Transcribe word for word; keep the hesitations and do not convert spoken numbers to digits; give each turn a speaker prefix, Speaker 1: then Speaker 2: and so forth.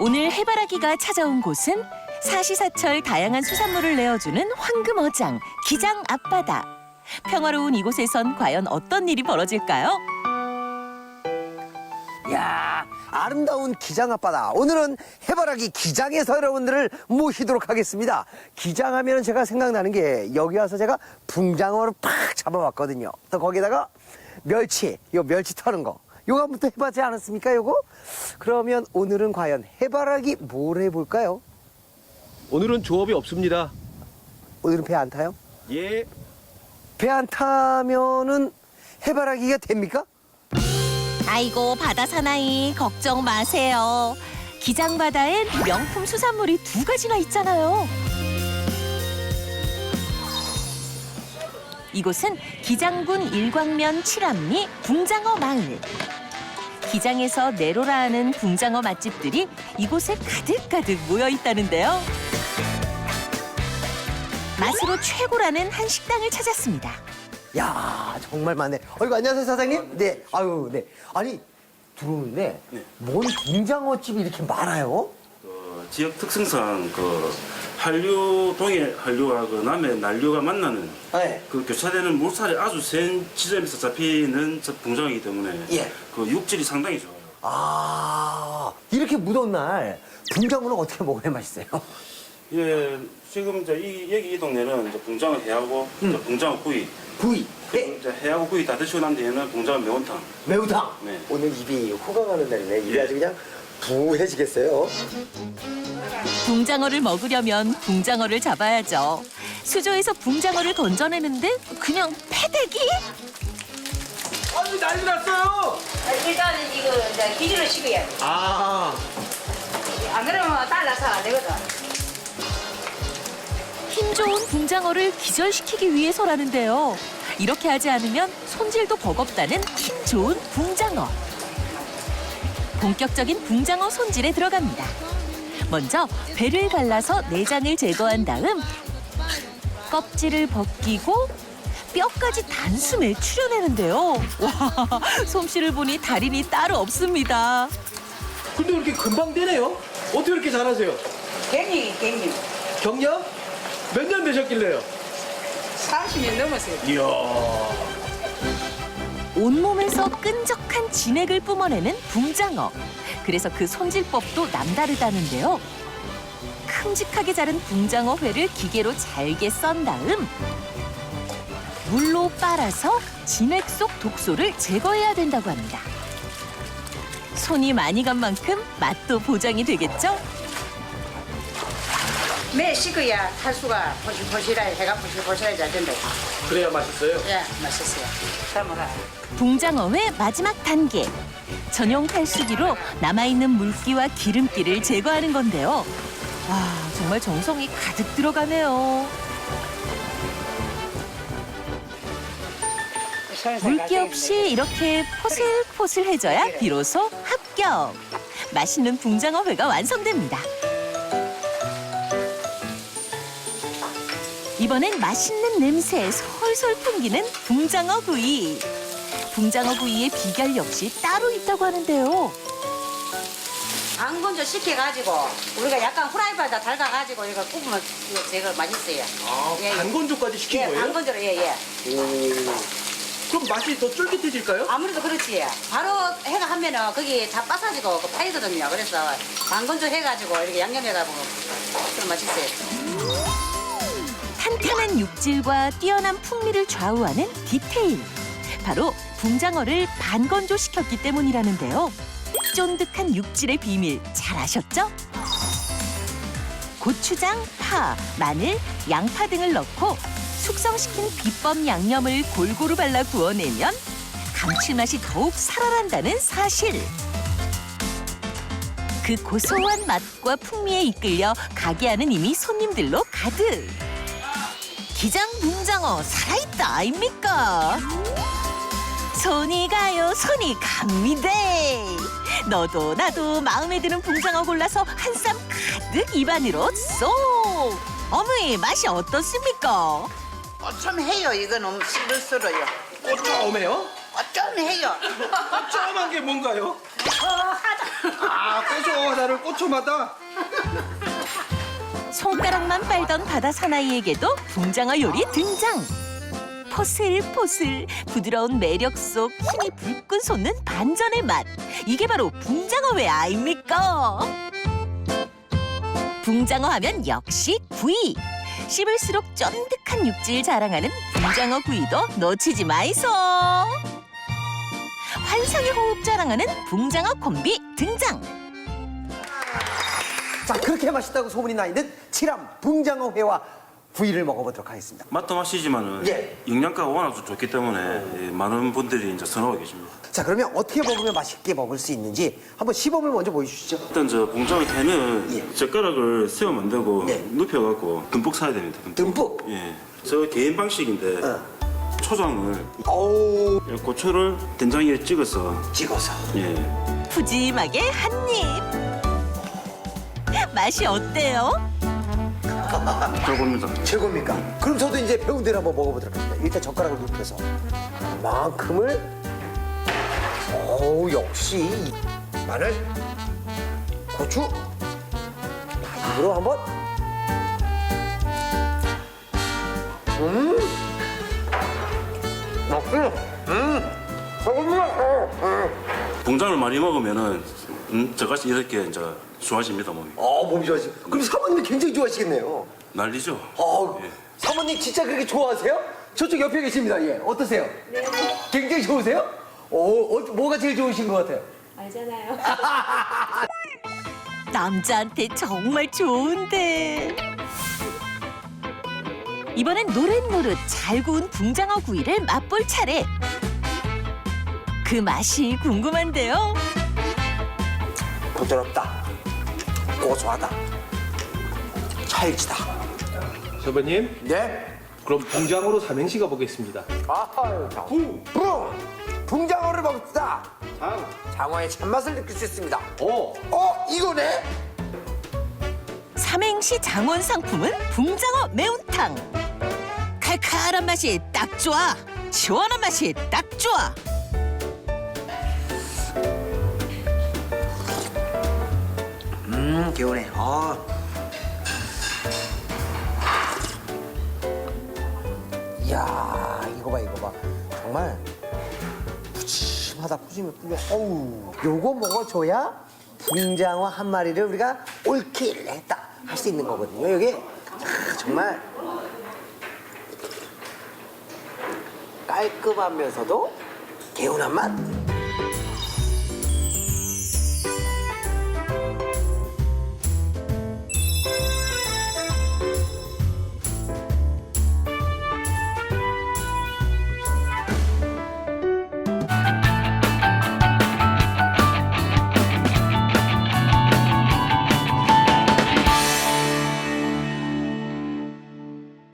Speaker 1: 오늘 해바라기가 찾아온 곳은 사시사철 다양한 수산물을 내어주는 황금어장, 기장 앞바다. 평화로운 이곳에선 과연 어떤 일이 벌어질까요?
Speaker 2: 이야, 아름다운 기장 앞바다. 오늘은 해바라기 기장에서 여러분들을 모시도록 하겠습니다. 기장하면 제가 생각나는 게 여기 와서 제가 붕장어를 팍 잡아왔거든요. 또 거기다가 멸치, 요 멸치 터는 거. 요거 한번 또 해봤지 않았습니까, 요거? 그러면 오늘은 과연 해바라기 뭘 해볼까요?
Speaker 3: 오늘은 조업이 없습니다.
Speaker 2: 오늘은 배 안 타요?
Speaker 3: 예.
Speaker 2: 배 안 타면은 해바라기가 됩니까?
Speaker 1: 아이고 바다 사나이 걱정 마세요. 기장 바다엔 명품 수산물이 두 가지나 있잖아요. 이곳은 기장군 일광면 칠암리 붕장어 마을. 기장에서 내로라 하는 붕장어 맛집들이 이곳에 가득가득 모여 있다는데요. 맛으로 최고라는 한 식당을 찾았습니다.
Speaker 2: 야, 정말 많네. 어이구, 안녕하세요, 사장님. 네, 아유, 네. 아니, 들어오는데,
Speaker 4: 네.
Speaker 2: 뭔 붕장어집이 이렇게 많아요?
Speaker 4: 그 지역 특성상 그 한류 동해 한류와 그 남해 난류가 만나는
Speaker 2: 네.
Speaker 4: 그 교차되는 물살이 아주 센 지점에서 잡히는 저 붕장어이기 때문에
Speaker 2: 예.
Speaker 4: 그 육질이 상당히 좋아요.
Speaker 2: 아, 이렇게 무더운 날, 붕장어는 어떻게 먹어야 맛있어요?
Speaker 4: 예, 지금 이제 이 여기 이 동네는 이제 붕장어 회하고
Speaker 2: 음.
Speaker 4: 이제 붕장어 구이,
Speaker 2: 구이,
Speaker 4: 그리고
Speaker 2: 회,
Speaker 4: 이제 회하고 구이 다 드시고 난 뒤에는 붕장어 매운탕.
Speaker 2: 매운탕.
Speaker 4: 네.
Speaker 2: 오늘 입이 호강하는 날이네. 입이
Speaker 4: 예.
Speaker 2: 아주 그냥 부해지겠어요.
Speaker 1: 붕장어를 먹으려면 붕장어를 잡아야죠. 수조에서 붕장어를 건져내는데 그냥 패대기?
Speaker 3: 아니 난리 났어요.
Speaker 5: 일단은 이거 이제 기준을 식어야 돼.
Speaker 3: 아.
Speaker 5: 안 그러면 달라서 안 되거든.
Speaker 1: 힘 좋은 붕장어를 기절시키기 위해서라는데요. 이렇게 하지 않으면 손질도 버겁다는 힘 좋은 붕장어. 본격적인 붕장어 손질에 들어갑니다. 먼저 배를 갈라서 내장을 제거한 다음 껍질을 벗기고 뼈까지 단숨에 추려내는데요. 와, 솜씨를 보니 달인이 따로 없습니다.
Speaker 3: 근데 이렇게 금방 되네요. 어떻게 이렇게 잘하세요?
Speaker 5: 갱년이 갱년.
Speaker 3: 경력 몇 년 되셨길래요?
Speaker 5: 삼십 년 넘었어요.
Speaker 3: 이야.
Speaker 1: 온몸에서 끈적한 진액을 뿜어내는 붕장어. 그래서 그 손질법도 남다르다는데요. 큼직하게 자른 붕장어 회를 기계로 잘게 썬 다음 물로 빨아서 진액 속 독소를 제거해야 된다고 합니다. 손이 많이 간 만큼 맛도 보장이 되겠죠?
Speaker 5: 매 식어야 탈수가 포실포실하게 해가 포실포실하게 잘 된다.
Speaker 3: 그래야 맛있어요.
Speaker 5: 예, 맛있어요. 담아가.
Speaker 1: 붕장어회 마지막 단계. 전용 탈수기로 남아있는 물기와 기름기를 제거하는 건데요. 와, 정말 정성이 가득 들어가네요. 물기 없이 이렇게 포슬포슬해져야 비로소 합격. 맛있는 붕장어회가 완성됩니다. 이번엔 맛있는 냄새 솔솔 풍기는 붕장어 구이. 붕장어 구이의 비결 역시 따로 있다고 하는데요.
Speaker 5: 반건조 식혀가지고 우리가 약간 후라이팬에다 달가가지고 이거 굽으면 이거 제가 맛있어요.
Speaker 3: 아,
Speaker 5: 예, 예.
Speaker 3: 반건조까지 시킨
Speaker 5: 예,
Speaker 3: 거예요?
Speaker 5: 반건조로 예예.
Speaker 3: 그럼 맛이 더 쫄깃해질까요?
Speaker 5: 아무래도 그렇지. 바로 해가 하면은 거기 다 빠사지고 그 파이거든요. 그래서 반건조 해가지고 이렇게 양념해가지고 좀 맛있어요.
Speaker 1: 탄탄한 육질과 뛰어난 풍미를 좌우하는 디테일. 바로 붕장어를 반건조시켰기 때문이라는데요. 쫀득한 육질의 비밀 잘 아셨죠? 고추장, 파, 마늘, 양파 등을 넣고 숙성시킨 비법 양념을 골고루 발라 구워내면 감칠맛이 더욱 살아난다는 사실. 그 고소한 맛과 풍미에 이끌려 가게 안은 이미 손님들로 가득. 기장 붕장어 살아있다 아닙니까? 손이 가요 손이 갑니다. 너도 나도 마음에 드는 붕장어 골라서 한 쌈 가득 입안으로 쏙. 어머니 맛이 어떻습니까?
Speaker 5: 어쩜해요 이거는 씹을수록요.
Speaker 3: 꼬쫌해요?
Speaker 5: 어쩜해요.
Speaker 3: 꼬쫌한 게 뭔가요?
Speaker 6: 아, 꼬초 하나를 꼬초마다.
Speaker 1: 손가락만 빨던 바다 사나이에게도 붕장어 요리 등장. 포슬포슬 부드러운 매력 속 힘이 불끈 솟는 반전의 맛. 이게 바로 붕장어 회 아닙니까? 붕장어 하면 역시 구이. 씹을수록 쫀득한 육질 자랑하는 붕장어 구이도 놓치지 마이소. 환상의 호흡 자랑하는 붕장어 콤비 등장.
Speaker 2: 자, 그렇게 맛있다고 소문이 나 있는 칠암 붕장어 회와 구이를 먹어보도록 하겠습니다.
Speaker 4: 맛도 맛이지만은
Speaker 2: 예.
Speaker 4: 영양가가 워낙 좋기 때문에 예, 많은 분들이 이제 선호하고 계십니다.
Speaker 2: 자, 그러면 어떻게 먹으면 맛있게 먹을 수 있는지 한번 시범을 먼저 보여주시죠.
Speaker 4: 일단 저 봉장어 회는
Speaker 2: 예.
Speaker 4: 젓가락을 세워 만들고
Speaker 2: 네.
Speaker 4: 눕혀갖고 듬뿍 사야 됩니다. 듬뿍.
Speaker 2: 듬뿍?
Speaker 4: 예. 저 개인 방식인데
Speaker 2: 어.
Speaker 4: 초장을
Speaker 2: 어우,
Speaker 4: 고추를 된장에 찍어서
Speaker 2: 찍어서.
Speaker 4: 예.
Speaker 1: 푸짐하게 한 입. 맛이 어때요?
Speaker 4: 저겁니다.
Speaker 2: 최고입니까? 그럼 저도 이제 배운 대로 한번 먹어보도록 하겠습니다. 일단 젓가락을 눕혀서 그만큼을. 어우, 역시 마늘, 고추, 입으로 한번. 음, 역시, 음, 조금만. 음.
Speaker 4: 봉장을 많이 먹으면은 음, 저같이 이렇게 이제 좋아집니다 몸이.
Speaker 2: 어, 몸이 좋아지. 그럼 사모님이 굉장히 좋아하시겠네요.
Speaker 4: 난리죠.
Speaker 2: 어,
Speaker 4: 예.
Speaker 2: 사모님 진짜 그렇게 좋아하세요? 저쪽 옆에 계십니다. 예, 어떠세요? 네. 굉장히 좋으세요? 어, 어, 뭐가 제일 좋으신 것 같아요?
Speaker 7: 알잖아요.
Speaker 1: 남자한테 정말 좋은데. 이번엔 노릇노릇 잘 구운 붕장어 구이를 맛볼 차례. 그 맛이 궁금한데요.
Speaker 2: 부드럽다, 고소하다, 찰지다.
Speaker 3: 셰프님,
Speaker 2: 네?
Speaker 3: 그럼 붕장어로 삼행시 가보겠습니다.
Speaker 2: 아유, 붕! 붕! 붕장어를 먹읍시다.
Speaker 3: 장,
Speaker 2: 장어의 참맛을 느낄 수 있습니다.
Speaker 3: 어,
Speaker 2: 어, 이거네?
Speaker 1: 삼행시 장원 상품은 붕장어 매운탕. 칼칼한 맛이 딱 좋아. 시원한 맛이 딱 좋아.
Speaker 2: 음, 개운해. 아. 이야, 이거 봐, 이거 봐. 정말 푸짐하다, 푸짐해, 푸짐해. 어우, 요거 먹어줘야 붕장어 한 마리를 우리가 올킬 했다 할 수 있는 거거든요. 이게 아, 정말 깔끔하면서도 개운한 맛.